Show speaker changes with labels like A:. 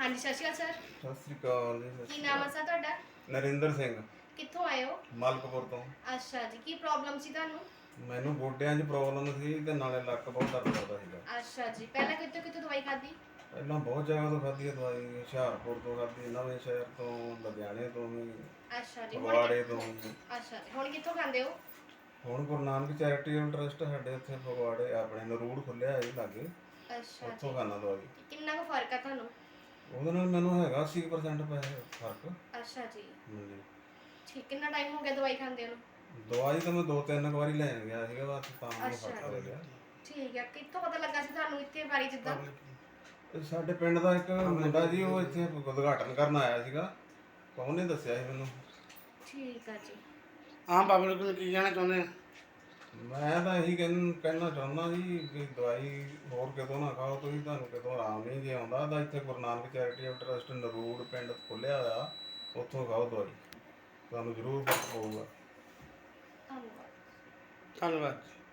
A: ਹਾਂਜੀ ਸਤਿ ਸ਼੍ਰੀ ਅਕਾਲ ਸਰ।
B: ਸਤਿ ਸ੍ਰੀ ਅਕਾਲ ਜੀ।
A: ਕੀ ਨਾਮ ਹੈ ਸਰ ਤੁਹਾਡਾ?
B: ਨਰਿੰਦਰ ਸਿੰਘ,
A: ਕਿੱਥੋਂ ਆਏ ਹੋ?
B: ਮਲਕਪੁਰ ਤੋਂ।
A: ਅੱਛਾ ਜੀ, ਕੀ ਪ੍ਰੋਬਲਮ ਸੀ ਤੁਹਾਨੂੰ?
B: ਮੈਨੂੰ ਗੋਡਿਆਂ 'ਚ ਪ੍ਰੋਬਲਮ ਸੀ ਤੇ ਨਾਲੇ ਲੱਕ ਬਹੁਤ ਦਰਦ ਕਰਦਾ ਸੀਗਾ।
A: ਅੱਛਾ ਜੀ, ਪਹਿਲਾਂ ਕਿੱਥੋਂ ਕਿੱਥੋਂ ਦਵਾਈ ਖਾਧੀ?
B: ਪਹਿਲਾਂ ਬਹੁਤ ਜਗ੍ਹਾ ਤੋਂ ਖਾਧੀ ਹੈ ਦਵਾਈ, ਹੁਸ਼ਿਆਰਪੁਰ ਤੋਂ ਖਾਧੀ, ਨਵੇਂ ਸ਼ਹਿਰ ਤੋਂ, ਲੁਧਿਆਣੇ ਤੋਂ ਵੀ,
A: ਅੱਛਾ ਜੀ,
B: ਫਗਵਾੜੇ ਤੋਂ ਵੀ।
A: ਅੱਛਾ ਜੀ, ਹੁਣ ਕਿੱਥੋਂ ਖਾਂਦੇ ਹੋ?
B: ਹੁਣ ਗੁਰੂ ਨਾਨਕ ਚੈਰੀਟੇਬਲ ਟਰਸਟ ਸਾਡੇ ਇੱਥੇ ਫਗਵਾੜੇ ਆਪਣੇ ਨਰੂੜ ਖੁੱਲਿਆ ਹੈ ਲਾਗੇ,
A: ਅੱਛਾ
B: ਉੱਥੋਂ
A: ਜੀ,
B: ਖਾਣਾ ਦਵਾਈ।
A: ਕਿੰਨਾ ਕੁ ਫਰਕ ਆ ਤੁਹਾਨੂੰ?
B: ਉਹਦੇ ਨਾਲ ਮੈਨੂੰ ਹੈਗਾ 80% ਪੈਸੇ ਫਰਕ।
A: ਅੱਛਾ ਜੀ,
B: ਹਾਂਜੀ।
A: ਠੀਕ। ਕਿੰਨਾ ਟਾਈਮ ਹੋ ਗਿਆ ਦਵਾਈ ਖਾਂਦੇ ਨੂੰ?
B: ਦਵਾਈ ਤਾਂ ਮੈਂ 2-3 ਵਾਰੀ ਲੈਣ ਗਿਆ ਸੀਗਾ, ਬਸ ਤਾਂ ਮੈਨੂੰ
A: ਅੱਛਾ
B: ਫਰਕ ਪੈ ਗਿਆ।
A: ਠੀਕ ਹੈ। ਕਿੱਥੋਂ ਪਤਾ ਲੱਗਾ ਸੀ ਤੁਹਾਨੂੰ ਇੱਥੇ ਬਾਰੇ ਜਿੱਦਾਂ?
B: ਸਾਡੇ ਪਿੰਡ ਦਾ ਇੱਕ ਮੁੰਡਾ ਜੀ, ਉਹ ਇੱਥੇ ਉਦਘਾਟਨ ਕਰਨ ਆਇਆ ਸੀਗਾ, ਉਹਨੇ ਦੱਸਿਆ ਸੀ ਮੈਨੂੰ।
A: ਠੀਕ ਆ ਜੀ।
C: ਆਮ ਪਬਲਿਕ ਨੂੰ ਕੀ ਕਹਿਣਾ ਚਾਹੁੰਦੇ ਆ?
B: ਮੈਂ ਤਾਂ ਇਹੀ ਕਹਿਣਾ ਚਾਹੁੰਦਾ ਜੀ ਵੀ ਦਵਾਈ ਹੋਰ ਕਿਤੋਂ ਨਾ ਖਾਓ ਤੁਸੀਂ, ਤੁਹਾਨੂੰ ਕਿਤੋਂ ਆਰਾਮ ਨਹੀਂ ਜੇ ਆਉਂਦਾ ਤਾਂ ਇੱਥੇ ਗੁਰੂ ਨਾਨਕ ਚੈਰੀਟੇਬਲ ਟਰਸਟ ਨਰੂੜ ਪਿੰਡ ਖੁੱਲਿਆ ਹੋਇਆ, ਉੱਥੋਂ ਖਾਓ ਦਵਾਈ, ਤੁਹਾਨੂੰ ਜ਼ਰੂਰ ਫਰਕ ਪਊਗਾ।
A: ਧੰਨਵਾਦ।
C: ਧੰਨਵਾਦ।